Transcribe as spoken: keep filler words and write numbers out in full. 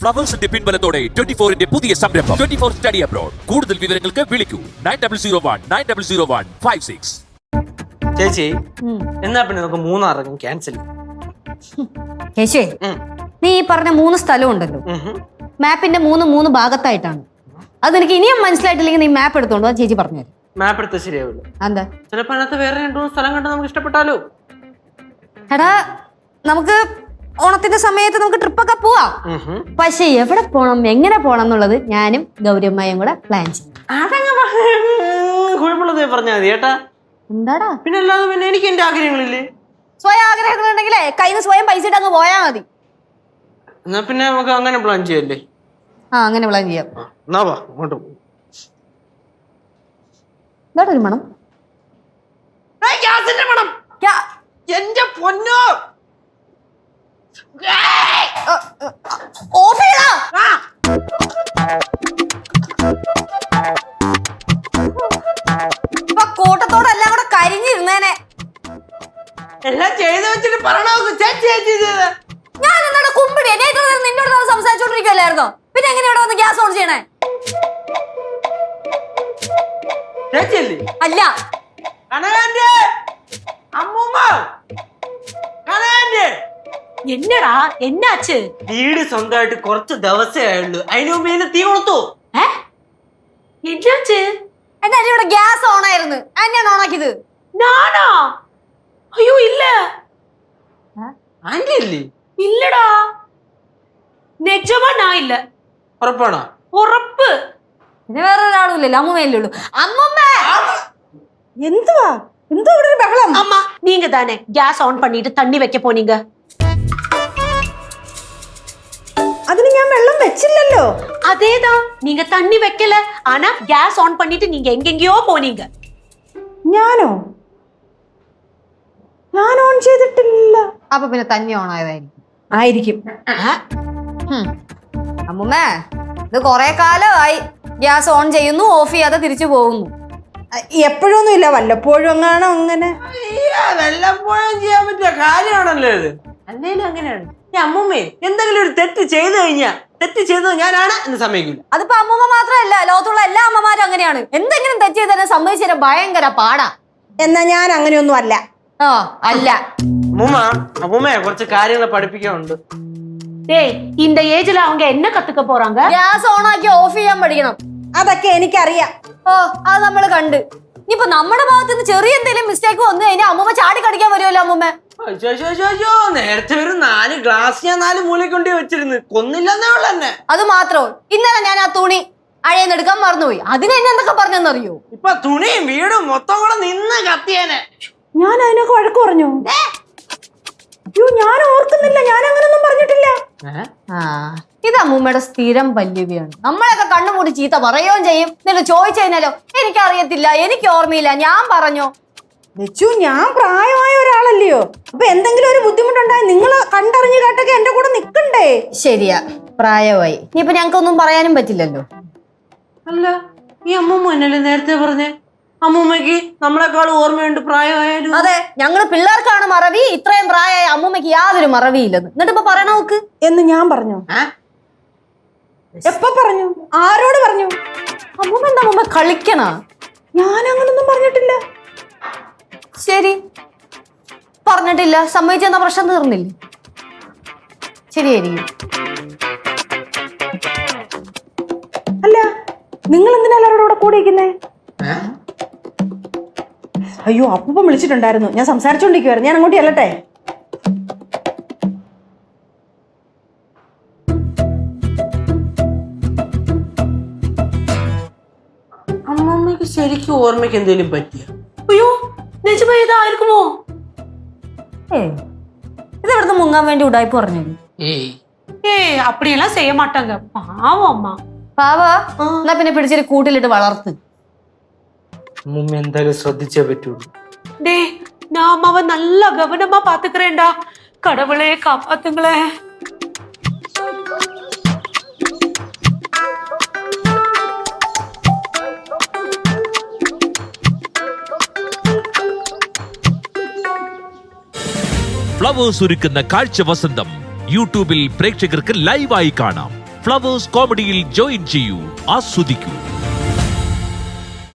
ഫ്ലവേഴ്സിന്റെ പിൻബലത്തോടെ twenty ഫോറിന്റെ പുതിയ സംരംഭം ട്വന്റി ഫോർ സ്റ്റഡി അബ്രോഡ്. കൂടുതൽ വിവരങ്ങൾക്ക് വിളിക്കൂ nine double zero one nine double zero one five six. ചേച്ചി എന്നാ പിന്നെ നമുക്ക് മൂന്നാറിനും ക്യാൻസൽ. യേശുവേ, നീ ഈ പറഞ്ഞ മൂന്ന് സ്ഥലം ഉണ്ടല്ലോ, മാപ്പിന്റെ മൂന്ന് മൂന്ന് ഭാഗത്തായിട്ടാണ്. അത് എനിക്ക് ഇനിയും മനസ്സിലായിട്ടില്ലെങ്കിൽ നീ മാപ്പ് എടുത്തോണ്ടോ, ചേച്ചി പറഞ്ഞുതരും. മാപ്പ് എടുത്താൽ ശരിയാവില്ല. എന്താ? ചിലപ്പോ അതിനകത്ത് വേറെ രണ്ടു മൂന്ന് സ്ഥലം കണ്ട് നമുക്ക് ഇഷ്ടപ്പെട്ടാലോ. എടാ, നമുക്ക് ഓണത്തിന്റെ സമയത്ത് നമുക്ക് ട്രിപ്പൊക്കെ പോവാം. പക്ഷെ എവിടെ പോണം, എങ്ങനെ പോണം എന്നുള്ളത് ഞാനും ഗൗരിയമ്മയും കൂടെ പ്ലാൻ ചെയ്യും. കുഴപ്പമുള്ളത് പറഞ്ഞാൽ മതി കേട്ടാ. എന്താടാ പിന്നെ അല്ലാതെ പിന്നെ എനിക്ക് എന്റെ ആഗ്രഹങ്ങളില്ലേ? സ്വയം ആഗ്രഹങ്ങൾ ഉണ്ടെങ്കിലേ കയ്യിൽ നിന്ന് സ്വയം പൈസ ഇട്ട് അങ്ങ് പോയാ മതി. എന്നാ പിന്നെ നമുക്ക് അങ്ങനെ പ്ലാൻ ചെയ്യല്ലേ? ആ, അങ്ങനെ പ്ലാൻ ചെയ്യാം. എന്നാ വാ അങ്ങോട്ട് പോകും. എന്താ ഒരു മണം? ഗ്യാസിന്റെ മണം. എന്റെ പൊന്നോ, ഓഫ് ചെയ്യടാ. ഇപ്പൊ കൂട്ടത്തോടെ എല്ലാം കൂടെ കരിഞ്ഞിരുന്നേനെ. എല്ലാം ചെയ്ത് വെച്ചിട്ട് പറയണോ ചേച്ചി ചേച്ചി ചെയ്ത്. ഞാൻ എന്താണ് കുമ്പിടി? എന്നെ ഇത്ര നേരം നിന്നോട് നമ്മൾ സംസാരിച്ചോണ്ടിരിക്കുവല്ലായിരുന്നോ? പിന്നെ എങ്ങനെ ഇവിടെ വന്ന് ഗ്യാസ് ഓൺ ചെയ്യണേ? ചേച്ചിയല്ലേ? അല്ല, കനകാന്റെ അമ്മൂമ്മ, കനകാന്റെ. എന്നടാ, എന്നാച്ച്? വീട് സ്വന്തമായിട്ട് കുറച്ച് ദിവസമേ ആയുള്ളൂ, അതിനു മുമ്പ് ഇതിന് തീ കൊളുത്തു. എന്നാച്ച്? എന്റെ അരി ഇവിടെ ഗ്യാസ് ഓൺ ആയിരുന്നു, അന്നെയാണ് ഓണാക്കിയത്. നാനാ? അയ്യോ ഇല്ല. ആന്റി അല്ലേ? ഇല്ലടാ, നിജമാ ഞാൻ ഇല്ല. ഉറപ്പാണോ? ഉറപ്പ്. പിന്നെ വേറെ ഒരാളും ഇല്ലല്ലോ, അമ്മൂമ്മയല്ലേ ഉള്ളൂ. അമ്മൂമ്മ എന്തുവാ എന്തോ ഇവിടെ ഒരു ബഹളം? அம்மா, நீங்க தானே கேஸ் ஆன் பண்ணிட்டு தண்ணி வைக்க போனீங்க? അതിന് ഞാൻ വെള്ളം വെച്ചില്ലല്ലോ. அதேதான், நீங்க தண்ணி வைக்கல, ஆனா கேஸ் ஆன் பண்ணிட்டு நீங்க எங்கெங்கயோ போனீங்க. ഞാനോ? ഞാൻ ഓൺ ചെയ്തിട്ടില്ല. അപ്പൊ പിന്നെ തന്നെ ഓൺ ആയതായിരിക്കും. ആയിരിക്കും. അമ്മൂമ്മ, ഇത് കൊറേ കാലമായി ഗ്യാസ് ഓൺ ചെയ്യുന്നു, ഓഫ് ചെയ്യാതെ തിരിച്ചു പോകുന്നു. എപ്പോഴൊന്നും ഇല്ല, വല്ലപ്പോഴും എങ്ങാണോ അങ്ങനെ. വല്ലപ്പോഴും ചെയ്യാൻ പറ്റിയ കാര്യമാണല്ലോ ഇത്. അല്ലേലും അങ്ങനെയാണ്. ഈ അമ്മൂമ്മേ എന്തെങ്കിലും ഒരു തെറ്റ് ചെയ്തു കഴിഞ്ഞാ തെറ്റ് ചെയ്തത് ഞാനാണ് എന്ന് സമ്മതിക്കില്ല. അതിപ്പോ അമ്മൂമ്മ മാത്രമല്ല, ലോകത്തുള്ള എല്ലാ അമ്മമാരും അങ്ങനെയാണ്. എന്തെങ്കിലും തെറ്റ് ചെയ്തതിനെ സമ്മതിച്ചു തരാൻ ഭയങ്കര പാടാ. എന്നാ ഞാൻ അങ്ങനെയൊന്നും അല്ല. ആ, അല്ല. അമ്മൂമ്മ, അമ്മൂമ്മയെ കുറച്ച് കാര്യങ്ങൾ പഠിപ്പിക്കാനുണ്ട്. டேய், இந்த ஏஜ்ல அவங்க என்ன கத்துக்க போறாங்க? ഗ്യാസ് ഓൺ ആക്കി ഓഫ് ചെയ്യാൻ പഠിക്കണം. അതൊക്കെ എനിക്കറിയാം. ഓ, അത് നമ്മള് കണ്ട്. ഇനിയിപ്പോ നമ്മുടെ ഭാഗത്ത് നിന്ന് ചെറിയ എന്തെങ്കിലും മിസ്റ്റേക്ക് വന്നു കഴിഞ്ഞാൽ അമ്മൂമ്മ ചാടി കടിക്കാൻ വരുമല്ലോ. അമ്മൂമ്മ നേരത്തെ ഒരു നാല് ഗ്ലാസ് ഞാൻ നാല് മൂലയ്ക്ക് കൊണ്ടേ വെച്ചിരുന്നു, കൊന്നില്ലെന്നേ ഉള്ളു എന്നെ. അത് മാത്രോ, ഇന്നലെ ഞാൻ ആ തുണി അഴയെന്നെടുക്കാൻ മറന്നുപോയി. അതിന് എന്നെ എന്തൊക്കെ പറഞ്ഞെന്നറിയോ? ഇപ്പൊ തുണിയും വീടും മൊത്തം കൂടെ നിന്ന് കത്തിയേനെ. ഞാൻ അതിനൊക്കെ വഴക്ക് പറഞ്ഞു. അയ്യോ, ഞാൻ ഓർക്കുന്നില്ല, ഞാൻ അങ്ങനൊന്നും പറഞ്ഞിട്ടില്ല. ആ, ഇത് അമ്മൂമ്മയുടെ സ്ഥിരം പല്ലുവിയാണ്. നമ്മളൊക്കെ കണ്ണുമൂടി ചീത്ത പറയുകയും ചെയ്യും. എന്നിട്ട് ചോദിച്ചു കഴിഞ്ഞാലോ, എനിക്കറിയത്തില്ല, എനിക്ക് ഓർമ്മയില്ല, ഞാൻ പറഞ്ഞോ. വെച്ചു, ഞാൻ പ്രായമായ ഒരാളല്ലയോ. അപ്പൊ എന്തെങ്കിലും ഒരു ബുദ്ധിമുട്ടുണ്ടായി നിങ്ങൾ കണ്ടറിഞ്ഞു കേട്ടൊക്കെ എന്റെ കൂടെ നിക്കണ്ടേ? ശരിയാ, പ്രായമായി. ഇനിയിപ്പൊ ഞങ്ങൾക്കൊന്നും പറയാനും പറ്റില്ലല്ലോ. അല്ല, ഈ അമ്മൂമ്മ എന്നല്ലേ നേരത്തെ പറഞ്ഞേ അമ്മൂമ്മക്ക് നമ്മളെക്കാൾ ഓർമ്മയുണ്ട് പ്രായമായാലും? അതെ, ഞങ്ങള് പിള്ളേർക്കാണ് മറവി, ഇത്രയും പ്രായമായ അമ്മൂമ്മക്ക് യാതൊരു മറവിയില്ലെന്ന്. എന്നിട്ട് ഇപ്പൊ പറയണ നോക്ക് എന്ന് ഞാൻ പറഞ്ഞു. എപ്പ പറഞ്ഞു? ആരോട് പറഞ്ഞു? അമ്മൂമ്മ എന്താ അമ്മൂമ്മ കളിക്കണ? ഞാൻ അങ്ങനൊന്നും പറഞ്ഞിട്ടില്ല. ശരി, പറഞ്ഞിട്ടില്ല, സമ്മതിച്ചെന്ന പ്രശ്നം തീർന്നില്ലേ? ശരിയായിരിക്കും. അല്ല, നിങ്ങൾ എന്തിനാ എല്ലാവരോടും കൂടെ കൂടിയിരിക്കുന്നേ? അയ്യോ, അപ്പം വിളിച്ചിട്ടുണ്ടായിരുന്നു, ഞാൻ സംസാരിച്ചോണ്ടിരിക്കുവായിരുന്നു. ഞാൻ അങ്ങോട്ട് ചെല്ലട്ടെ? അമ്മമ്മക്ക് ശരിക്കും ഓർമ്മയ്ക്ക് എന്തെങ്കിലും പറ്റിയ? ஐயோ, நிஜமா ஏதா இருக்குமோ? ഏ, ഇത് ഇവിടുന്ന് മുങ്ങാൻ വേണ്ടി ഉടായ്പ പറഞ്ഞു. ഏയ് ஏய், அப்படியெல்லாம் செய்ய மாட்டாங்க, பாவம் அம்மா. പാവാ, എന്നാ പിന്നെ പിടിച്ചിട്ട് കൂട്ടിലിട്ട് വളർത്ത്. അമ്മൂമ്മ എന്തായാലും ശ്രദ്ധിച്ചേ പറ്റുള്ളൂ. டேய், நான் அம்மாவை நல்லா கவனமா பாத்துக்கிறேன்டா. கடவுளே காப்பாத்துங்களே. ഫ്ലവേഴ്സ് ഒരുക്കുന്ന കാഴ്ച വസന്തം യൂട്യൂബിൽ പ്രേക്ഷകർക്ക് ലൈവായി കാണാം. ഫ്ലവേഴ്സ് കോമഡിയിൽ ജോയിൻ ചെയ്യൂ, ആസ്വദിക്കൂ.